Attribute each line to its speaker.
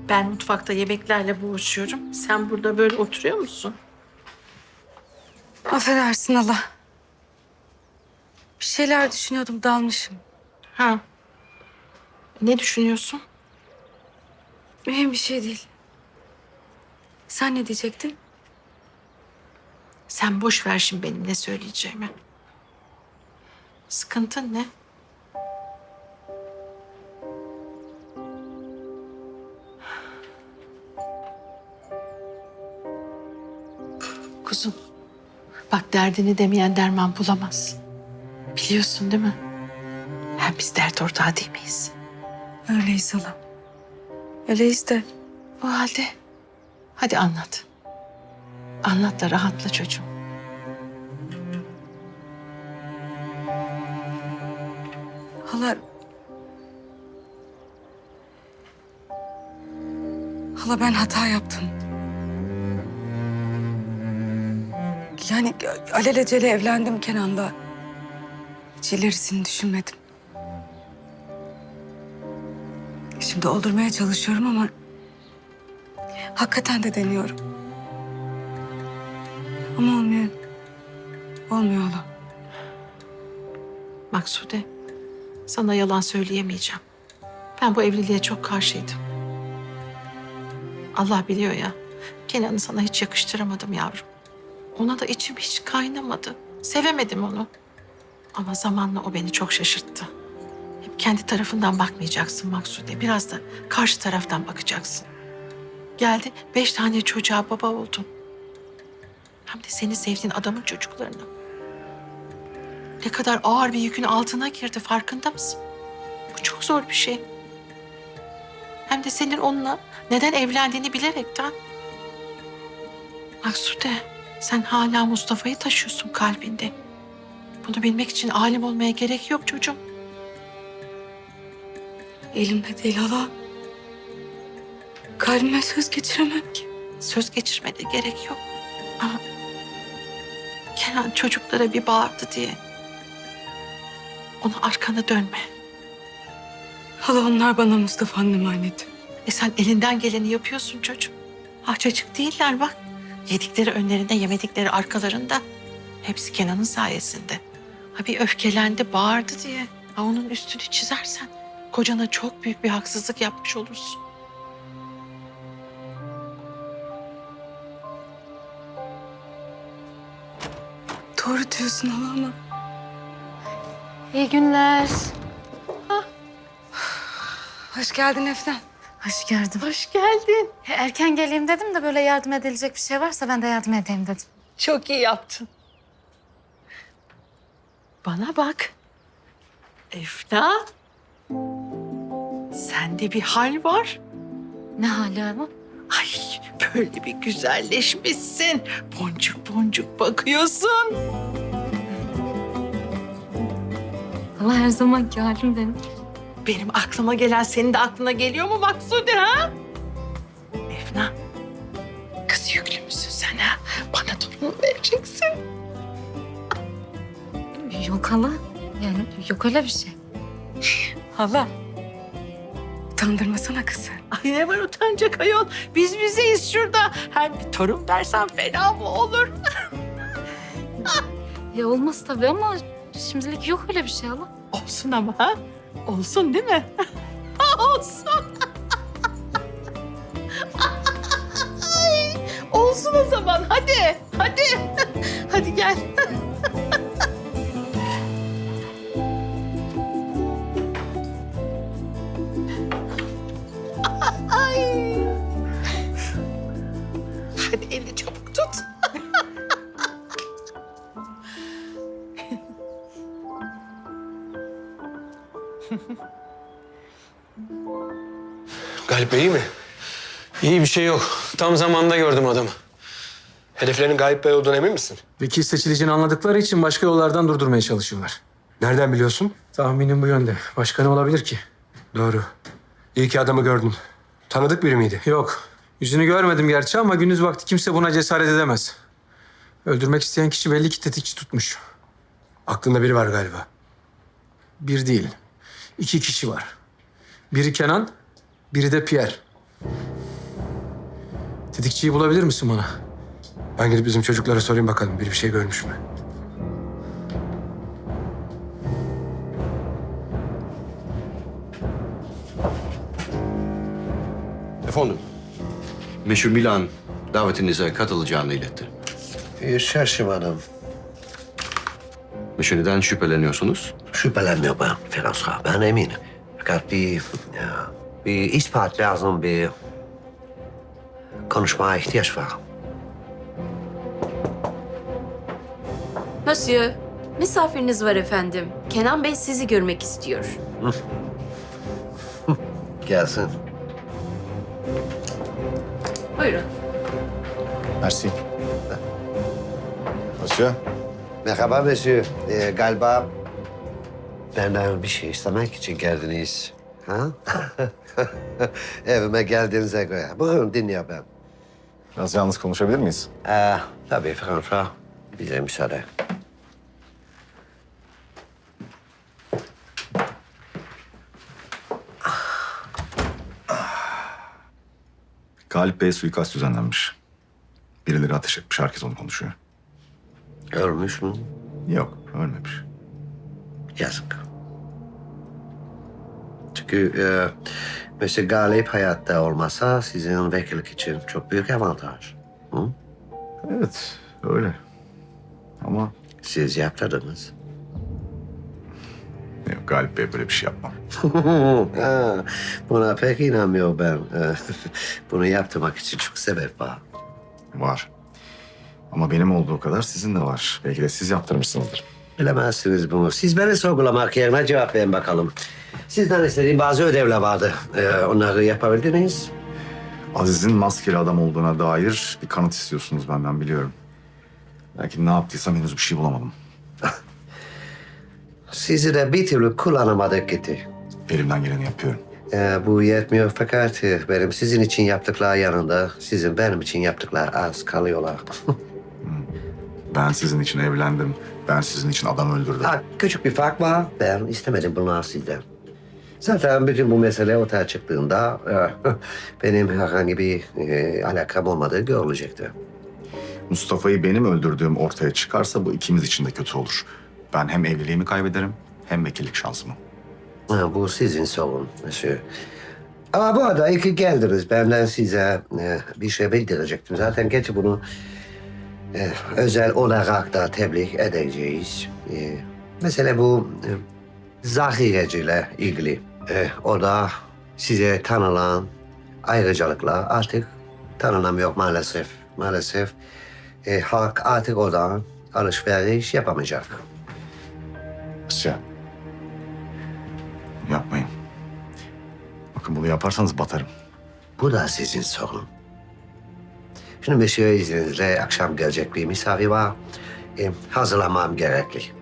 Speaker 1: Ben mutfakta yemeklerle boğuşuyorum. Sen burada böyle oturuyor musun?
Speaker 2: Affedersin hala. Bir şeyler düşünüyordum, dalmışım.
Speaker 1: Ha. Ne düşünüyorsun?
Speaker 2: Mühim bir şey değil. Sen ne diyecektin?
Speaker 1: Sen boş ver şimdi benim ne söyleyeceğimi. Sıkıntın ne? Kuzum, bak derdini demeyen derman bulamaz. Biliyorsun değil mi? Hem biz dert ortağı değil miyiz?
Speaker 2: Öyleyiz hala. Öyleyiz de.
Speaker 1: O halde hadi anlat. Anlat da rahatla çocuğum.
Speaker 2: Hala... Hala ben hata yaptım. Yani alelacele evlendim Kenan'la. Hiç ilerisini düşünmedim. Şimdi oldurmaya çalışıyorum ama... hakikaten de deniyorum. Ama olmuyor. Olmuyor hala.
Speaker 1: Maksude, sana yalan söyleyemeyeceğim. Ben bu evliliğe çok karşıydım. Allah biliyor ya, Kenan'ı sana hiç yakıştıramadım yavrum. Ona da içim hiç kaynamadı. Sevemedim onu. Ama zamanla o beni çok şaşırttı. Hep kendi tarafından bakmayacaksın Maksude. Biraz da karşı taraftan bakacaksın. Geldi 5 tane çocuğa baba oldun. Hem de seni sevdiğin adamın çocuklarına. Ne kadar ağır bir yükün altına girdi farkında mısın? Bu çok zor bir şey. Hem de senin onunla neden evlendiğini bilerekten. Maksude, sen hala Mustafa'yı taşıyorsun kalbinde. Bunu bilmek için alim olmaya gerek yok çocuğum.
Speaker 2: Elimde değil hala. Kalbime söz geçiremem ki.
Speaker 1: Söz geçirmene gerek yok. Ama Kenan çocuklara bir bağırdı diye ona arkanı dönme.
Speaker 2: Hala onlar bana Mustafa'nın emaneti.
Speaker 1: Sen elinden geleni yapıyorsun çocuğum. Harcacık değiller bak. Yedikleri önlerinde, yemedikleri arkalarında. Hepsi Kenan'ın sayesinde. Ha bir öfkelendi, bağırdı diye. Ha onun üstünü çizersen kocana çok büyük bir haksızlık yapmış olursun.
Speaker 2: Doğru diyorsun hala ama...
Speaker 3: İyi günler.
Speaker 2: Hoş geldin Efnan.
Speaker 3: Hoş geldin.
Speaker 1: Hoş geldin.
Speaker 3: Erken geleyim dedim de böyle yardım edilecek bir şey varsa ben de yardım edeyim dedim.
Speaker 1: Çok iyi yaptın. Bana bak. Efna. Sende bir hal var.
Speaker 3: Ne hali ama?
Speaker 1: Ay böyle bir güzelleşmişsin. Boncuk boncuk bakıyorsun.
Speaker 3: Allah her zamanki halim benim.
Speaker 1: Benim aklıma gelen senin de aklına geliyor mu Maksude ha? Efna. Kız yüklü müsün sen ha? Bana torun vereceksin.
Speaker 3: Yok hala. Yani yok öyle bir şey.
Speaker 2: Hala. Utandırmasana kızı.
Speaker 1: Ay ne var utanacak ayol? Biz bizeyiz şurada. Hem bir torun versen fena mı olur?
Speaker 3: Olmaz tabii ama şimdilik yok öyle bir şey hala.
Speaker 1: Olsun ama ha? Olsun değil mi? Olsun. Ay, olsun o zaman. Hadi. Hadi. Hadi gel. Ay. Hadi elini çabuk tut.
Speaker 4: Galip Bey iyi mi? İyi bir şey yok. Tam zamanında gördüm adamı.
Speaker 5: Hedeflerinin Galip Bey olduğuna emin misin?
Speaker 4: Vekil seçileceğini anladıkları için başka yollardan durdurmaya çalışıyorlar.
Speaker 5: Nereden biliyorsun?
Speaker 4: Tahminim bu yönde. Başka ne olabilir ki?
Speaker 5: Doğru. İyi ki adamı gördün. Tanıdık biri miydi?
Speaker 4: Yok. Yüzünü görmedim gerçi ama gündüz vakti kimse buna cesaret edemez. Öldürmek isteyen kişi belli ki tetikçi tutmuş.
Speaker 5: Aklında biri var galiba.
Speaker 4: Bir değil, 2 kişi var. Biri Kenan, biri de Pierre. Tetikçiyi bulabilir misin bana?
Speaker 5: Ben gidip bizim çocuklara sorayım bakalım. Biri bir şey görmüş mü?
Speaker 6: Efendim, Meşhur Milan davetinize katılacağını iletti.
Speaker 7: Şaşırmadım.
Speaker 6: Meşhur neden şüpheleniyorsunuz?
Speaker 7: Şüphelenmiyor ben Ferhat Ağa, ben eminim. Fakat bir ispat lazım, bir konuşmaya ihtiyaç var.
Speaker 8: Monsieur, misafiriniz var efendim. Kenan Bey sizi görmek istiyor.
Speaker 7: Gelsin.
Speaker 8: Buyurun.
Speaker 9: Merci. Monsieur.
Speaker 7: Merhaba monsieur. Galiba benden bir şey istemek için geldiniz. Ha? Evime geldiğinize göre. Buyurun dinliyor ben.
Speaker 9: Biraz yalnız konuşabilir miyiz?
Speaker 7: Tabii Ferhat Ağa, bize müsaade.
Speaker 9: Galip Bey'e suikast düzenlenmiş. Birileri ateş etmiş. Herkes onu konuşuyor.
Speaker 7: Ölmüş mü?
Speaker 9: Yok, ölmemiş.
Speaker 7: Yazık. Çünkü Monsieur Galip hayatta olmasa sizin vekillik için çok büyük avantaj. Hı?
Speaker 9: Evet, öyle. Ama
Speaker 7: Siz yaptırdınız.
Speaker 9: yok, Galip Bey böyle bir şey yapmam.
Speaker 7: Ha, buna pek inanmıyor ben. Bunu yaptırmak için çok sebep var.
Speaker 9: Var. Ama benim olduğu kadar sizin de var. Belki de siz yaptırmışsınızdır.
Speaker 7: Bilemezsiniz bunu. Siz beni sorgulamak yerine cevap verin bakalım. Sizden istediğim bazı ödevler vardı. Onları yapabildiniz.
Speaker 9: Aziz'in maskeli adam olduğuna dair bir kanıt istiyorsunuz benden, biliyorum. Belki ne yaptıysam henüz bir şey bulamadım.
Speaker 7: Sizi de bir türlü kullanamadık gitti.
Speaker 9: Elimden geleni yapıyorum.
Speaker 7: Bu yetmiyor fakat benim sizin için yaptıklar yanında sizin benim için yaptıklar az kalıyorlar.
Speaker 9: Ben sizin için evlendim. Ben sizin için adam öldürdüm.
Speaker 7: Ha, küçük bir fark var. Ben istemedim bunlar sizden. Zaten bütün bu mesele ortaya çıktığında benim herhangi bir alakam olmadığı görülecekti.
Speaker 9: Mustafa'yı benim öldürdüğüm ortaya çıkarsa bu ikimiz için de kötü olur. Ben hem evliliğimi kaybederim hem vekillik şansımı.
Speaker 7: Ha, bu sizin sorun monsieur. Ama bu arada iyi ki geldiniz. Benden size bir şey bildirecektim. Zaten geç bunu özel olarak da tebliğ edeceğiz. Mesela bu zahireciyle ilgili. O da size tanınan ayrıcalıklar artık tanınamıyor maalesef. Maalesef halk artık oradan alışveriş yapamayacak.
Speaker 9: Asya. Yapmayın. Bakın bunu yaparsanız batarım.
Speaker 7: Bu da sizin sorun. Şimdi monsieur izninizle akşam gelecek bir misafir var. Hazırlamam gerekli.